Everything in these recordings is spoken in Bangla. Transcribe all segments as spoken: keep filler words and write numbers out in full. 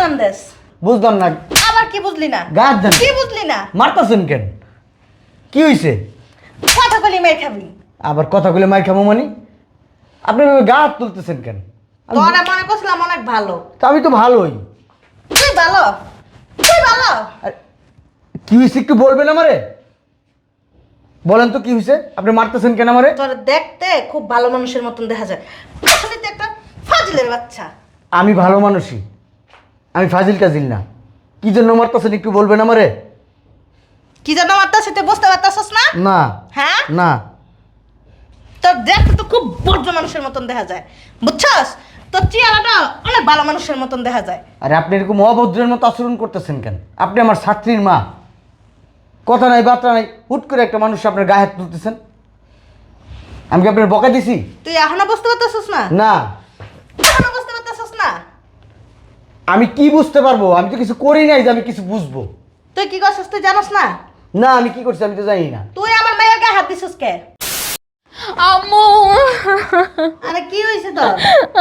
সালাম দেস? বুঝলাম না। আবার কি বুঝলি না? গাছ দেন। কি বুঝলি না? মারতাছেন কেন? কি হইছে? কথা বলি মাই খাবি। আবার কথাগুলো মার খামো মানে? আপনি এভাবে গা হাত তুলতেছেন কেন? আমি- তোরা মনে করছিলাম অনেক ভালো। তা আমি তো ভালোই। তুই ভালো? তুই ভালো? আর কি হয়েছে একটু বলবেন আমারে? বলেন তো কি হয়েছে? আপনি মারতেছেন কেন আমারে? তোর দেখতে খুব ভালো মানুষের মতন দেখা যায়, আসলে তুই একটা ফাজিলের বাচ্চা। আমি ভালো মানুষই, আমি ফাজিল কাজিল না। কি জন্য মারতেছেন একটু বলবেন আমারে? কি যেন মারতাছিস তুই বুঝতে পারতাছিস না? না। হ্যাঁ? না। তোর দেখতে তো খুব বর্জ্য মানুষের মতন দেখা যায়, বুঝছস? তোর চেহারাটা অনেক ভালো মানুষের মতন দেখা যায়। আরে আপনি এরকম অভদ্রের মতো আচরণ করতেছেন কেন? আপনি আমার ছাত্রীর মা, কথা নাই বার্তা নাই, হুট করে একটা মানুষ আপনার গায়ে হাত তুলতেছেন। আমি কি আপনার বকা দিছি? তুই এখনো বুঝতে পারতাছিস না? না। এখনো বুঝতে পারতাছিস না? আমি কি বুঝতে পারবো? আমি তো কিছু করি নাই যে আমি কিছু বুঝবো। তুই কি করছিস তুই জানোস না? না, আমি কি করছি আমি তো জানি না। তুই আমার মেয়ের গায়ে হাত দিছিস কে? আম্মু আরে কি হয়েছে তোর?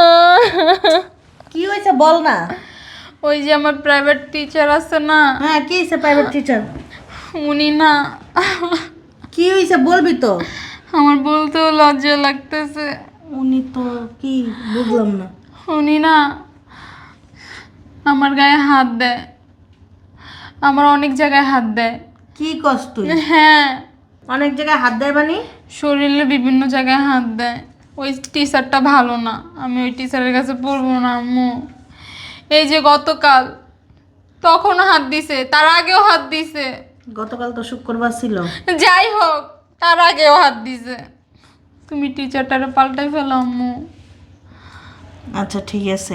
কি হয়েছে বল না। ওই যে আমার প্রাইভেট টিচার আছে না, হ্যাঁ কি হয়েছে প্রাইভেট টিচার? উনি না, কি হয়েছে বলবি তো? আমার বলতেও লজ্জা লাগতেছে। উনি তো কি বুঝলাম না। উনি না আমার গায়ে হাত দেয়, আমার অনেক জায়গায় হাত দেয়। কি কস তুই? হ্যাঁ, অনেক জায়গায় হাত দেয় বানি? শরীরে বিভিন্ন জায়গায় হাত দেয়। ওই টিচারটা ভালো না, আমি ওই টিচারের কাছে পড়বো না আম্মু। এই যে গতকাল তখনও হাত দিছে, তার আগেও হাত দিছে, গতকাল তো শুক্রবার ছিল। যাই হোক তার আগেও হাত দিছে। তুমি টিচারটারে পাল্টাই ফেলো আম্মু। আচ্ছা ঠিক আছে,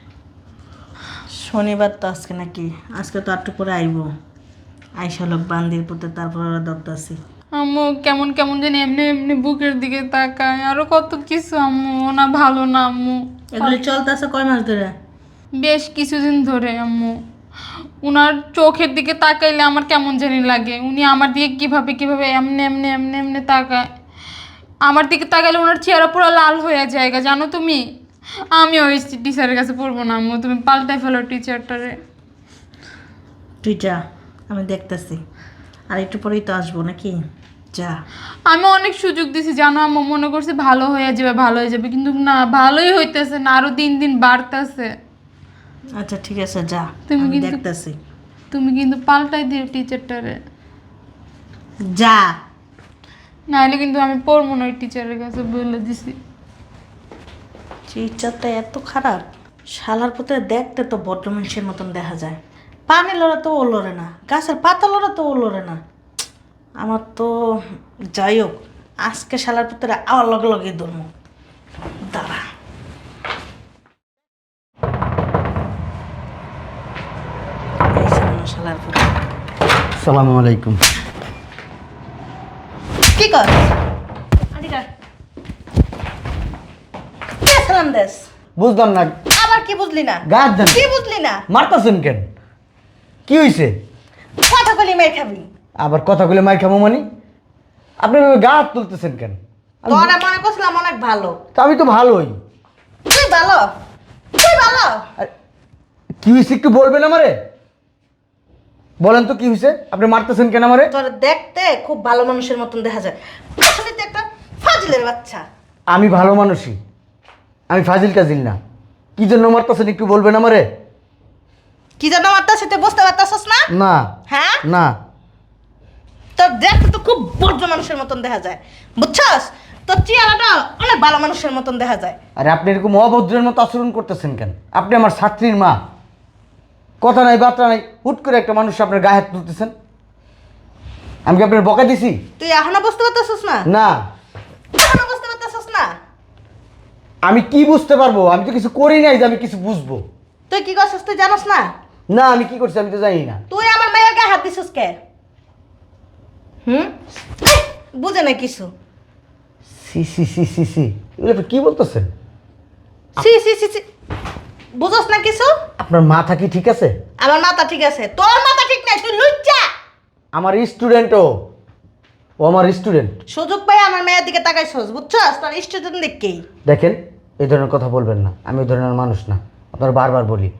শনিবার তো আজকে নাকি, আজকে তো আটটু করে আইব। আইসা লোক বান্দির পুতে তারপর ওরা দরদাসি। আম্মু কেমন কেমন জানি এমনি এমনি বুকের দিকে তাকায়, আরো কত কিছু আম্মু। না ভালো না আম্মু, এগুলি চলতেছে কয় মাস ধরে? বেশ কিছুদিন ধরে আম্মু। উনার চোখের দিকে তাকাইলে আমার কেমন জানি লাগে। উনি আমার দিকে কিভাবে কিভাবে এমনি এমনি এমনি এমনি তাকায়, আমার দিকে তাকাইলে ওনার চেহারা পুরো লাল হয়ে যায় জানো তুমি। আমি ওই টিচারের কাছে পড়বো না আম্মু, তুমি পাল্টাই ফেলো টিচারটারে। তুই যা, আমি দেখতেছি। আর একটু পরেই তো আসবো নাকি, যা। আমি অনেক সুযোগ দিছি জানো আম্মু, মনে করছি ভালো হয়ে যাবে ভালো হয়ে যাবে, কিন্তু না, ভালোই হইতেছে না, আরো দিন দিন বাড়তেছে। আচ্ছা ঠিক আছে যা, তুমি আমি কিন্তু- দেখতেছি। তুমি কিন্তু পাল্টাই দিও টিচারটারে, যা। নাহলে কিন্তু আমি পড়বো না ওই টিচারের কাছে, বলে দিছি। টিচারটা এত খারাপ, শালার পুতে দেখতে তো বড্ড মানুষের মতন দেখা যায়। পানি লড়া তো ও লড়ে না, গাছের পাতা লড়া তো ও লড়ে না। আমার তো যাই হোক, আজকে শালার পুত্রে আবার লগে লগে ধরবো, দাঁড়া। এই সামনে শালার পুত্র। আসসালামু আলাইকুম। কি কর? আদিকা কে সালাম দেস? বুঝলাম না। আবার কি বুঝলি না? গাছ দেন। কি বুঝলি না? মারতাছেন কেন? কি হয়েছে? কথা বলি মাই খাবি। আবার কথাগুলো মার খামো মানে? আপনি এভাবে গা হাত তুলতেছেন কেন? আমি- তোরা মনে করছিলাম অনেক ভালো। তা আমি তো ভালোই। তুই ভালো? তুই ভালো? আর কি হয়েছে একটু বলবেন আমারে? বলেন তো কি হয়েছে? আপনি মারতেছেন কেন আমারে? তোর দেখতে খুব ভালো মানুষের মতন দেখা যায়, আসলে তুই একটা ফাজিলের বাচ্চা। আমি ভালো মানুষই, আমি ফাজিল কাজিল না। কি জন্য মারতেছেন একটু বলবেন আমারে? কি যেন মারতাছিস তুই বুঝতে পারতাছিস না? না। হ্যাঁ? না। তোর দেখতে তো খুব বর্জ্য মানুষের মতন দেখা যায়, বুঝছস? তোর চেহারাটা অনেক ভালো মানুষের মতন দেখা যায়। আরে আপনি এরকম অভদ্রের মতো আচরণ করতেছেন কেন? আপনি আমার ছাত্রীর মা, কথা নাই বার্তা নাই, হুট করে একটা মানুষ আপনার গায়ে হাত তুলতেছেন। আমি কি আপনার বকা দিছি? তুই এখনো বুঝতে পারতাছিস না? না। এখনো বুঝতে পারতাছিস না? আমি কি বুঝতে পারবো? আমি তো কিছু করি নাই যে আমি কিছু বুঝবো। তুই কি করছিস তুই জানোস না? না, আমি কি করছি আমি তো জানি না। তুই আমার মেয়ের গায়ে হাত দিছিস কে? হুম? এই, বুঝে না কিছু। সি সি সি সি সি এগুলো আপনি কি বলতেছেন? সি সি সি সি বুঝোস না কিছু? আপনার মাথা কি ঠিক আছে? আমার মাথা ঠিক আছে, তোর মাথা ঠিক নাই, তুই লুচ্চা। আমার স্টুডেন্ট ও ও আমার স্টুডেন্ট। সুযোগ পাই আমার মেয়ের দিকে তাকাইছস, বুঝছস? তোর স্টুডেন্ট দেখকেই। দেখেন, এই ধরনের কথা বলবেন না, আমি ওই ধরনের মানুষ না। আপনার বারবার বলি,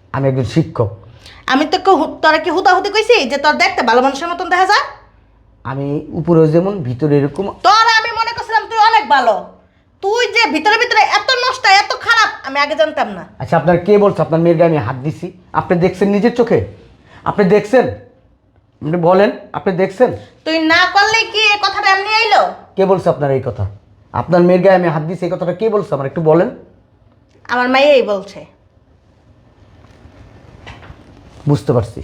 আমি একজন শিক্ষক। আমি তো তোরা কি হুতাহুতি কইছি যে তোর দেখতে ভালো মানুষের মতন দেখা যায়? আমি উপরেও যেমন ভিতরে এরকম। তোর আমি মনে করছিলাম তুই অনেক ভালো, তুই যে ভিতরে ভিতরে এত নষ্ট এত খারাপ আমি আগে জানতাম না। আচ্ছা আপনার কে বলছে আপনার মেয়ের গায়ে আমি হাত দিছি? আপনি দেখছেন নিজের চোখে? আপনি দেখছেন? আপনি বলেন, আপনি দেখছেন? তুই না করলে কি এই কথাটা এমনি আইলো? কে বলছে আপনার এই কথা? আপনার মেয়ের গায়ে আমি হাত দিছি এই কথাটা কে বলছে আমার একটু বলেন। আমার মাইয়াই বলছে। বুঝতে পারছি।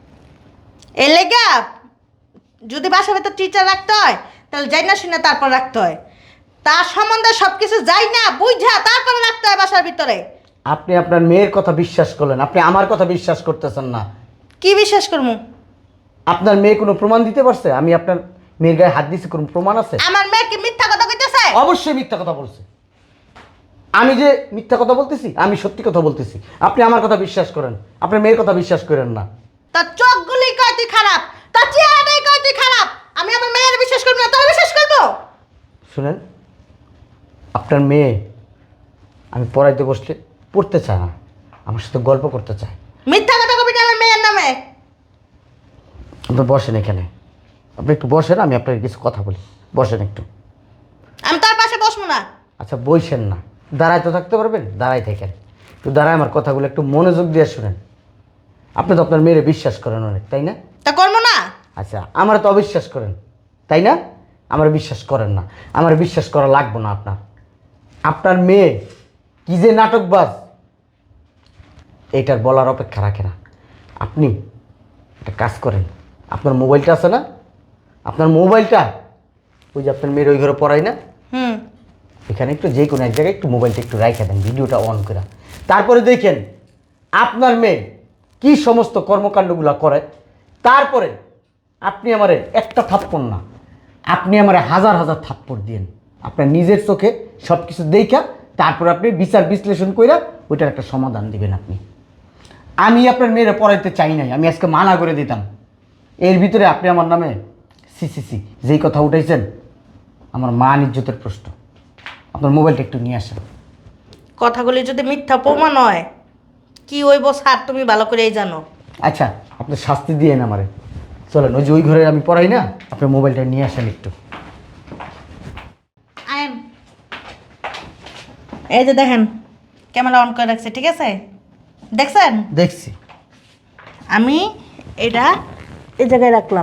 এই লেগা যদি বাসার ভেতর টিচার রাখতে হয় তাহলে যাই না শুনে তারপর রাখতে হয়, তার সম্বন্ধে সবকিছু যাই না বুঝা তারপরে রাখতে হয় বাসার ভিতরে। আপনি আপনার মেয়ের কথা বিশ্বাস করলেন, আপনি আমার কথা বিশ্বাস করতেছেন না। কি বিশ্বাস করবো? আপনার মেয়ে কোনো প্রমাণ দিতে পারছে আমি আপনার মেয়ের গায়ে হাত দিছি? কোনো প্রমাণ আছে? আমার মেয়ে কি মিথ্যা কথা কইতেছে? অবশ্যই মিথ্যা কথা বলছে। আমি যে মিথ্যা কথা বলতেছি? আমি সত্যি কথা বলতেছি। আপনি আমার কথা বিশ্বাস করেন, আপনার মেয়ের কথা বিশ্বাস করেন না। তার চোখগুলি কয় তুই খারাপ, তার চেহারাটাই কয় তুই খারাপ। আমি আমার মেয়ের বিশ্বাস করবো না, তোর বিশ্বাস করবো? শুনেন, আপনার মেয়ে আমি পড়াইতে বসলে পড়তে চায় না, আমার সাথে গল্প করতে চায়। মিথ্যা কথা কবি না আমার মেয়ের নামে। আপনি বসেন এখানে, আপনি একটু বসেন, আমি আপনার কিছু কথা বলি। বসেন একটু। আমি তার পাশে বসবো না। আচ্ছা বইসেন না, দাঁড়ায় তো থাকতে পারবেন? দাঁড়াই থাকেন, একটু দাঁড়ায় আমার কথাগুলো একটু মনোযোগ দিয়ে শুনেন। আপনি তো আপনার মেয়েরে বিশ্বাস করেন অনেক, তাই না? তা করবো না? আচ্ছা আমার তো অবিশ্বাস করেন, তাই না? আমার বিশ্বাস করেন না, আমার বিশ্বাস করা লাগবে না আপনার। আপনার মেয়ে কি যে নাটকবাজ এইটার বলার অপেক্ষা রাখে না। আপনি একটা কাজ করেন, আপনার মোবাইলটা আছে না, আপনার মোবাইলটা ওই যে আপনার মেয়ের ওই ঘরে পড়াই না, হুম। এখানে একটু যে কোনো এক জায়গায় একটু মোবাইলটা একটু রাইখা দেন, ভিডিওটা অন করে। তারপরে দেখেন আপনার মেয়ে কি সমস্ত কর্মকাণ্ডগুলো করে। তারপরে আপনি আমারে একটা থাপ্পড় না, আপনি আমারে হাজার হাজার থাপ্পড় দিয়েন। আপনার নিজের চোখে সব কিছু দেখা তারপর আপনি বিচার বিশ্লেষণ কইরা ওইটার একটা সমাধান দিবেন আপনি। আমি আপনার মেয়েরা পড়াইতে চাই নাই, আমি আজকে মানা করে দিতাম। এর ভিতরে আপনি আমার নামে সি সি সি যেই কথা উঠাইছেন, আমার মান ইজ্জতের প্রশ্ন। আপনার মোবাইলটা একটু নিয়ে আসেন। কথাগুলি যদি মিথ্যা প্রমাণ হয় কি হইব স্যার তুমি ভালো করেই জানো। আচ্ছা আপনি শাস্তি দিয়েন আমারে। চলেন ওই যে ওই ঘরে আমি পড়াই না, আপনার মোবাইলটা নিয়ে আসেন একটু। আইন এই যে দেখেন ক্যামেরা অন করে রাখছে, ঠিক আছে? দেখছেন? দেখছি। আমি এটা এই জায়গায় রাখলাম,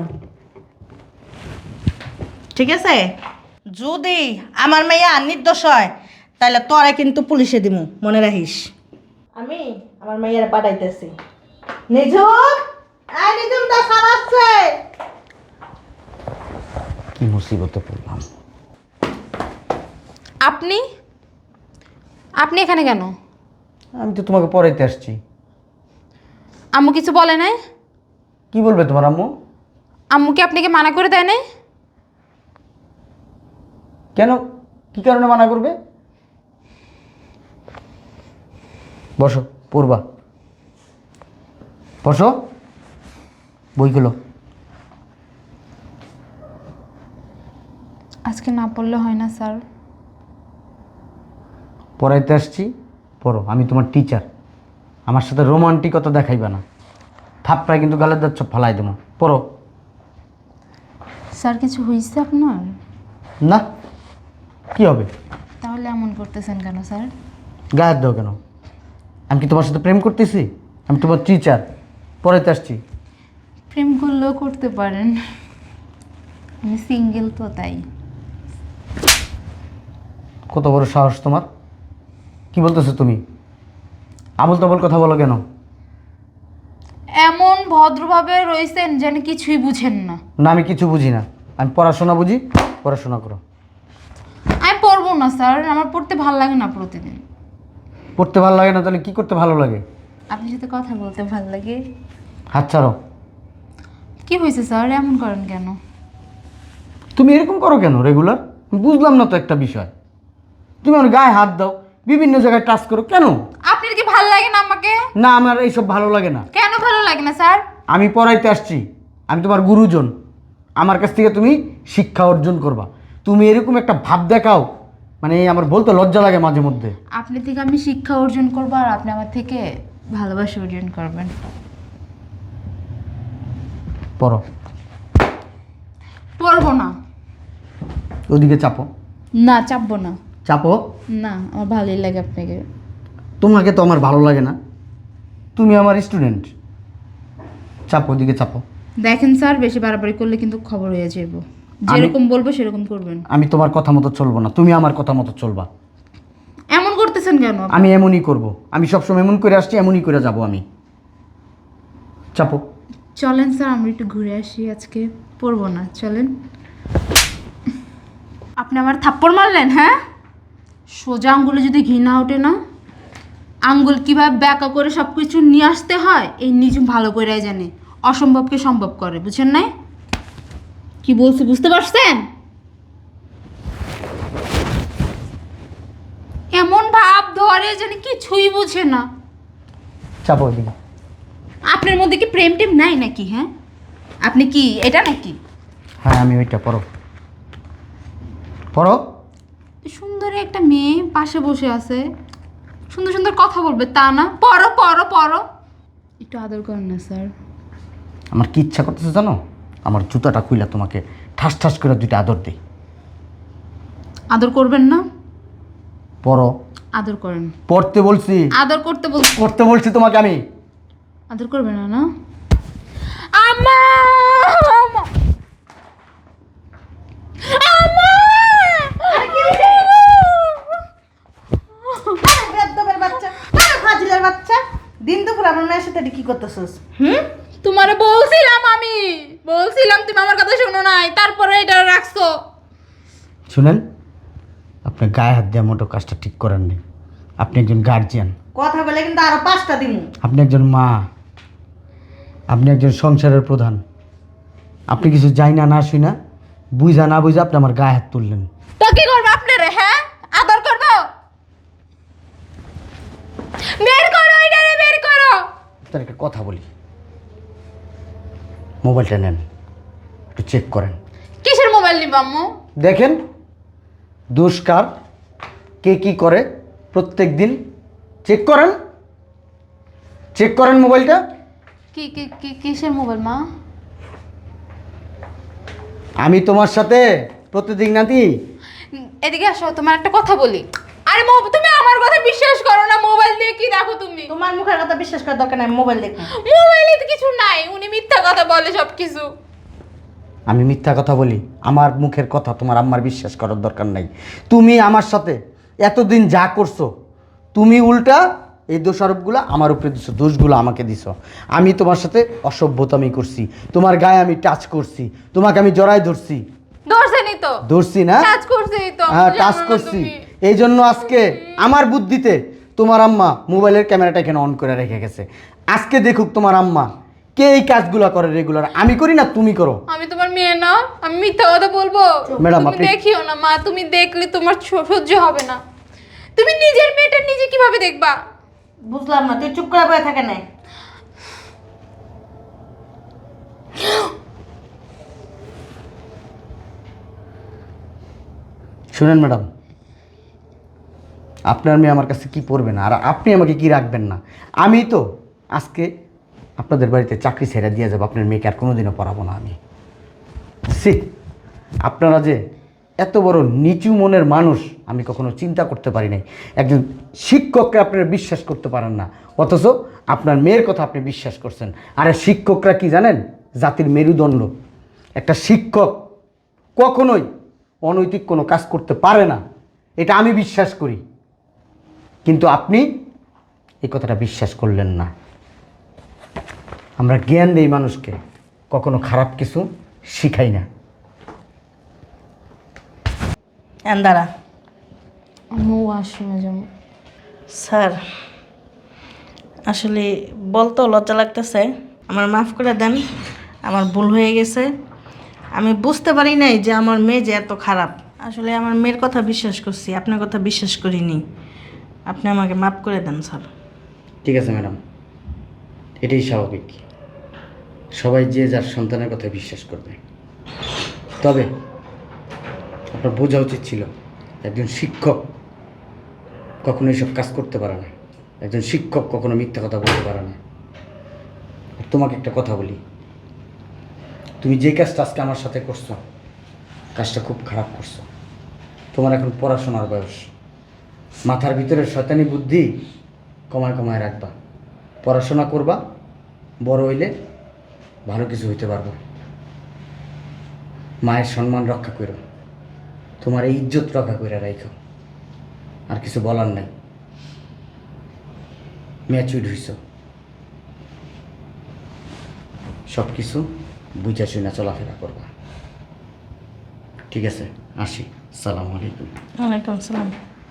ঠিক আছে? যদি আমার মেয়া নির্দোষ হয় তাহলে তোরা কিন্তু পুলিশে দিমু, মনে রাখিস। আমি আমার মেয়েরা পাঠাইতেছি। নিজুম, এই নিজুম তো স্যার আসছে। কি মুসিবতে পড়লাম। আপনি আপনি এখানে কেন? আমি তো তোমাকে পড়াইতে আসছি। আম্মু কিছু বলে নাই? কি বলবে তোমার আম্মু? আম্মু কি আপনাকে মানা করে দেয় নাই? কেন, কি কারণে মানা করবে? বসো, পড়বা। বসো, বইগুলো। আজকে না পড়লে হয় না স্যার? পড়াইতে আসছি, পড়ো। আমি তোমার টিচার, আমার সাথে রোমান্টিকতা দেখাইবে না। থাপ্পড়ায় কিন্তু গালের দাঁত সব ফালাই দেবো। পড়ো। স্যার কিছু হয়েছে আপনার? না, কি হবে? তাহলে এমন করতেছেন কেন স্যার? গায়ের দাও কেন? আমি কি তোমার সাথে প্রেম করতেছি? আমি তোমার টিচার, পড়াইতে আসছি। প্রেম করলেও করতে পারেন, আমি সিঙ্গেল তো তাই। কত বড় সাহস তোমার! কি বলতেছো তুমি? আবল তাবল কথা বলো কেন? এমন ভদ্রভাবে রয়েছেন যেন কিছুই বুঝেন না। না আমি কিছু বুঝি না, আমি পড়াশোনা বুঝি। পড়াশোনা করো। আমি পড়বো না স্যার, আমার পড়তে ভালো লাগে না প্রতিদিন। পড়তে ভালো লাগে না তাহলে কি করতে ভালো লাগে? আপনার সাথে কথা বলতে ভালো লাগে। হাত ছাড়ো। কি হয়েছে স্যার, এমন করেন কেন? তুমি এরকম করো কেন রেগুলার? বুঝলাম না তো একটা বিষয়। তুমি আমার গায়ে হাত দাও, বিভিন্ন জায়গায় টাচ করো কেন? আপনার কি ভালো লাগে না আমাকে? না আমার এইসব ভালো লাগে না। কেন ভালো লাগে না স্যার? আমি পড়াইতে আসছি, আমি তোমার গুরুজন। আমার কাছ থেকে তুমি শিক্ষা অর্জন করবা। তুমি এরকম একটা ভাব দেখাও, মানে আমার বলতে লজ্জা লাগে মাঝে মধ্যে। আপনি থেকে আমি শিক্ষা অর্জন করবো আর আপনি আমার থেকে ভালোবাসা অর্জন করবেন। পড়ো। পড়বো না। ওদিকে চাপো। না, চাপবো না। চাপো। না, আমার ভালোই লাগে আপনাকে। তোমাকে তো আমার ভালো লাগে না, তুমি আমার স্টুডেন্ট। চাপো, ওদিকে চাপো। দেখেন স্যার, বেশি বাড়াবাড়ি করলে কিন্তু খবর হয়ে যাবো। যেরকম বলবো সেরকম করবেন। আমি তোমার কথা মতো চলবো না, তুমি আমার কথা মতো চলবা। এমন করতেছেন কেন? আমি এমনই করব, আমি সবসময় এমন করে আসছি, এমনই করে যাব আমি। চাপো। চলেন স্যার, আমরা একটু ঘুরে আসি আজকে। পড়বো না, চলেন। আপনি আমার থাপ্পড় মারলেন, হ্যাঁ? সোজা আঙ্গুলে যদি ঘি না ওঠে না, আঙ্গুল কীভাবে ব্যাকা করে সব কিছু নিয়ে আসতে হয় এই নিজে ভালো করে জানে। অসম্ভবকে সম্ভব করে, বুঝছেন নাই? কি বলছি বুঝতে পারছেন? এমন ভাব ধরে যেন কিছুই বুঝে না। চাপো ওদিকে। আপনার মধ্যে কি প্রেম টেম নাই নাকি? হ্যাঁ, আপনি কি এটা নাকি? হ্যাঁ, আমি ওইটা। পড়ো পড়ো। সুন্দর একটা মেয়ে পাশে বসে আছে, সুন্দর সুন্দর কথা বলবে তা না। পড়ো পড়ো পড়ো, একটু আদর করেন না স্যার। আমার কি ইচ্ছা করতেছে জানো? আমার জুতাটা খুইলা তোমাকে ঠাস ঠাস করে দুইটা আদর দিই। আদর করবেন না? পড়ো। আদর করেন। পড়তে বলছি। আদর করতে বল। করতে বলছি তোমাকে আমি। আদর করবেন না? না আমা আমা আমা বেয়াদবের বাচ্চা, আরে ফাজিলের বাচ্চা, দিন দুপুর আমার মেয়ের সাথে এটা কি করতেছস? হুম? তোমারে বলছিলাম, আমি বলছিলাম, তুমি আমার কথা শোনো নাই, তারপরে এটা রাখছো। শুনেন, আপনি গায়ে হাত দিয়ে মোটো কাজটা ঠিক করেন নি। আপনি একজন গার্জিয়ান। কথা বলে কিন্তু আরো পাঁচটা দিমু। আপনি একজন মা, আপনি একজন সংসারের প্রধান। আপনি কিছু যাই না না শুই না, বুঝা না বুঝা আপনি আমার গায়ে হাত তুললেন। তো কি করবো আপনারে? হ্যাঁ, আদর করবো? বের করো এটারে, বের করো। তার একটা কথা বলি, মোবাইলটা নেন, একটু চেক করেন। কিসের মোবাইল নিব আম্মু? দেখেন দুষ্কার কে কি করে প্রত্যেক দিন চেক করেন, চেক করেন মোবাইলটা। কি কি কি কিসের মোবাইল মা? আমি তোমার সাথে প্রতিদিন নাতি। এদিকে আসো, তোমার একটা কথা বলি। আরে মো, তুমি আমার কথা বিশ্বাস করো না? মোবাইল দিয়ে কি দেখো তুমি? তোমার মুখের কথা বিশ্বাস করার দরকার নাই, মোবাইল দেখো। মোবাইলে তো কিছু নাই, উনি মিথ্যা কথা বলে সব কিছু। আমি মিথ্যা কথা বলি? আমার মুখের কথা তোমার আম্মার বিশ্বাস করার দরকার নাই। তুমি আমার সাথে এতদিন যা করছো, তুমি উল্টা এই দোষারোপগুলো আমার উপরে দিছো, দোষগুলো আমাকে দিছো। আমি তোমার সাথে অসভ্যতামি করছি, তোমার গায়ে আমি টাচ করছি, তোমাকে আমি জড়াই ধরছি। ধরছেনি তো? ধরছি না? টাচ করছেই তো। হ্যাঁ, জানো টাচ না করছি। তুমি। এই জন্য আজকে আমার বুদ্ধিতে তোমার আম্মা মোবাইলের ক্যামেরাটা এখানে অন করে রেখে গেছে। আজকে দেখুক তোমার আম্মা কে এই কাজগুলো করে রেগুলার। আমি করি না, তুমি করো। আমি তোমার মেয়ে না, আমি মিথ্যা কথা বলবো? ম্যাডাম, তুমি আপনি- দেখিও না মা, তুমি দেখলে তোমার স- সহ্য হবে না। তুমি নিজের মেয়েটা নিজে কিভাবে দেখবা? বুঝলাম না, তুই চুপ করে বয়ে থাকে না। শুনেন ম্যাডাম, আপনার মেয়ে আমার কাছে কি পড়বে না, আর আপনি আমাকে কি রাখবেন না। আমি তো আজকে আপনাদের বাড়িতে চাকরি ছেড়ে দিয়ে যাবো, আপনার মেয়েকে আর কোনোদিনও পড়াবো না আমি। সি, আপনারা যে এত বড় নিচু মনের মানুষ আমি কখনো চিন্তা করতে পারি নাই। একজন শিক্ষককে আপনারা বিশ্বাস করতে পারেন না, অথচ আপনার মেয়ের কথা আপনি বিশ্বাস করছেন। আর এই শিক্ষকরা কি জানেন? জাতির মেরুদণ্ড। একটা শিক্ষক কখনোই অনৈতিক কোনো কাজ করতে পারে না, এটা আমি বিশ্বাস করি। কিন্তু আপনি এই কথাটা বিশ্বাস করলেন না। আমরা জ্ঞান দেই মানুষকে, কখনো খারাপ কিছু শিখাই না। এন্দারা আম্মু ওয়াশরুমে যাবো। স্যার, আসলে বলতেও লজ্জা লাগতেছে, আমার মাফ করে দেন, আমার ভুল হয়ে গেছে। আমি বুঝতে পারি নাই যে আমার মেয়ে যে এত খারাপ। আসলে আমার মেয়ের কথা বিশ্বাস করছি, আপনার কথা বিশ্বাস করিনি। আপনি আমাকে মাফ করে দেন স্যার। ঠিক আছে ম্যাডাম, এটাই স্বাভাবিক। সবাই যে যার সন্তানের কথা বিশ্বাস করবে। তবে আপনার বোঝা উচিত ছিল একজন শিক্ষক কখনো এসব কাজ করতে পারে না। একজন শিক্ষক কখনো মিথ্যা কথা বলতে পারে না। আর তোমাকে একটা কথা বলি, তুমি যে কাজটা আজকে আমার সাথে করছো, কাজটা খুব খারাপ করছো। তোমার এখন পড়াশোনার বয়স, মাথার ভিতরে শয়তানি বুদ্ধি কমায় কমায় রাখবা, পড়াশোনা করবা, বড় হইলে ভালো কিছু হইতে পারবো। মায়ের সম্মান রক্ষা করো, তোমার এই ইজ্জত রক্ষা করে রাখো। আর কিছু বলার নাই, ম্যাচুইড হইছ, সব কিছু বুঝা শুনে চলাফেরা করবা। ঠিক আছে, আসি। সালাম আলাইকুম। ওয়ালাইকুম সালাম।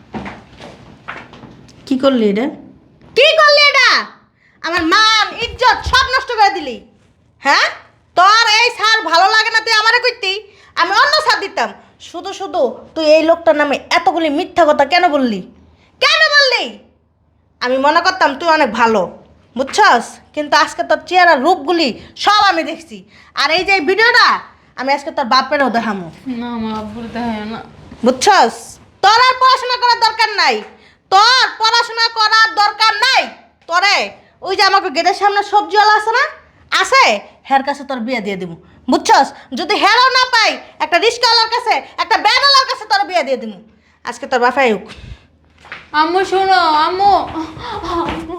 কি করলি এটা? কি করলি এটা? আমার মান ইজ্জত সব নষ্ট করে দিলি। হ্যাঁ, তোর এই স্যার ভালো লাগে না, তুই আমারে কইতি, আমি অন্য স্যার দিতাম। শুধু শুধু তুই এই লোকটার নামে এতগুলি মিথ্যা কথা কেন বললি? কেন বললি? আমি মনে করতাম তুই অনেক ভালো, বুঝছস? কিন্তু আজকে তোর চেহারা রূপগুলি সব আমি দেখছি। আর এই যে এই ভিডিওটা আমি আজকে তোর বাপেরও দেখামো, না আমার আব্বুর দেখায় না। বুঝছস? তোর আর পড়াশোনা করার দরকার নাই, তোর পড়াশোনা করার দরকার নাই। তোরে ওই যে আমাকে গেটের সামনে সবজিওয়ালা আছে না, আছে, হের কাছে তোর বিয়ে দিয়ে দিব, বুঝছস? যদি হেরও না পাই, একটা রিস্কাওয়ালার কাছে, একটা ব্যানওয়ালার কাছে তোর বিয়ে দিয়ে দিব। আজকে তোর বাসায় হোক। আম্মু শোনো, আম্মু আম্মু